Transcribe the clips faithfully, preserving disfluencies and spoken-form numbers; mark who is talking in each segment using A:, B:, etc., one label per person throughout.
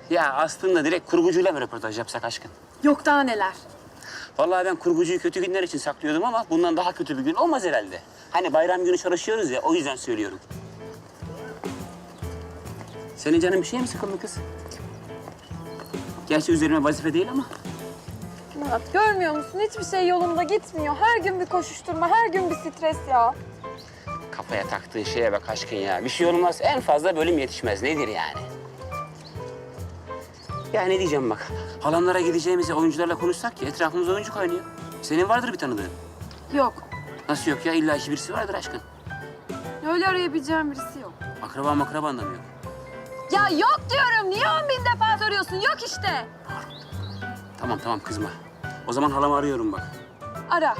A: Ya aslında direkt kurgucuyla mı röportaj yapsak aşkın?
B: Yok daha neler.
A: Vallahi ben kurgucuyu kötü günler için saklıyordum ama bundan daha kötü bir gün olmaz herhalde. Hani bayram günü çalışıyoruz ya, o yüzden söylüyorum. Senin canın bir şey mi sıkıldı kız? Gerçi üzerime vazife değil ama.
B: Murat görmüyor musun? Hiçbir şey yolunda gitmiyor. Her gün bir koşuşturma, her gün bir stres ya.
A: Kafaya taktığı şeye bak aşkın ya. Bir şey olmaz, en fazla bölüm yetişmez. Nedir yani? Ya ne diyeceğim bak. Halamlara gideceğimize oyuncularla konuşsak ya, etrafımızda oyuncu kaynıyor. Senin vardır bir tanıdığın.
B: Yok.
A: Nasıl yok ya? İlla ki birisi vardır aşkın.
B: Öyle arayabileceğim birisi yok.
A: Akraba makraba da mı yok?
B: Ya yok diyorum. Niye on bin defa soruyorsun? Yok işte.
A: Tamam tamam kızma. O zaman halamı arıyorum bak.
B: Ara.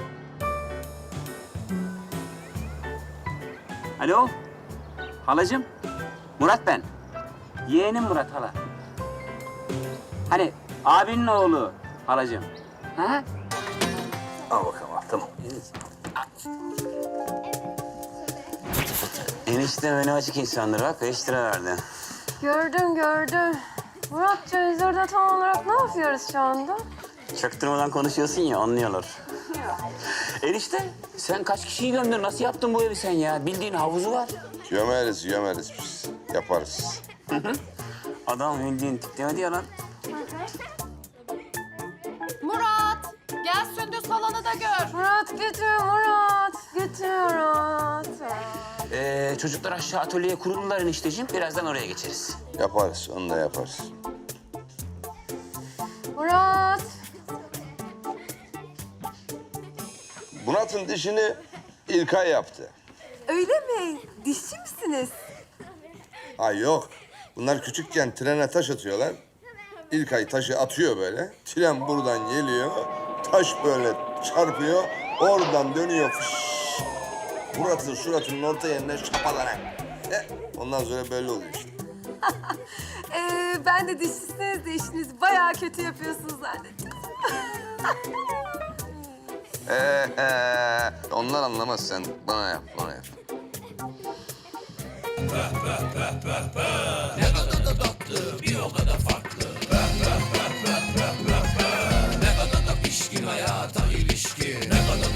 A: Alo? Halacığım? Murat ben. Yeğenim Murat hala. Hani abinin oğlu halacığım. Ha? Al bakalım al, tamam. Enişte önü açık insandır bak, beş lira verdi.
B: Gördüm gördüm. Muratcığım biz orada tam olarak ne yapıyoruz şu anda?
A: Çaktırmadan konuşuyorsun ya, anlıyorlar. Enişte, sen kaç kişiyi gömdün? Nasıl yaptın bu evi sen ya? Bildiğin havuzu var.
C: Gömeriz, gömeriz biz. Yaparız.
A: Adam bildiğin tiplemedi ya lan.
D: Murat, gel Sündüz salonu da gör.
B: Murat götür Murat. Götür Murat.
A: Ee, çocuklar aşağı atölyeye kuruldular enişteciğim. Birazdan oraya geçeriz.
C: Yaparız, onu da yaparız.
B: Murat.
C: Murat'ın dişini İlkay yaptı.
B: Öyle mi? Dişçi misiniz?
C: Ha yok. Bunlar küçükken trene taş atıyorlar. İlkay taşı atıyor böyle. Tren buradan geliyor. Taş böyle çarpıyor. Oradan dönüyor. Fış. Murat'ın suratının orta yerine şapalanak. E, ondan sonra böyle oluyor işte.
B: Ee, ben de dişçisiniz de işinizi bayağı kötü yapıyorsunuz zannettim.
C: Ee, onlar anlamaz, sen bana yap, bana yap.
E: Ne kadar da tatlı, bir o kadar farklı.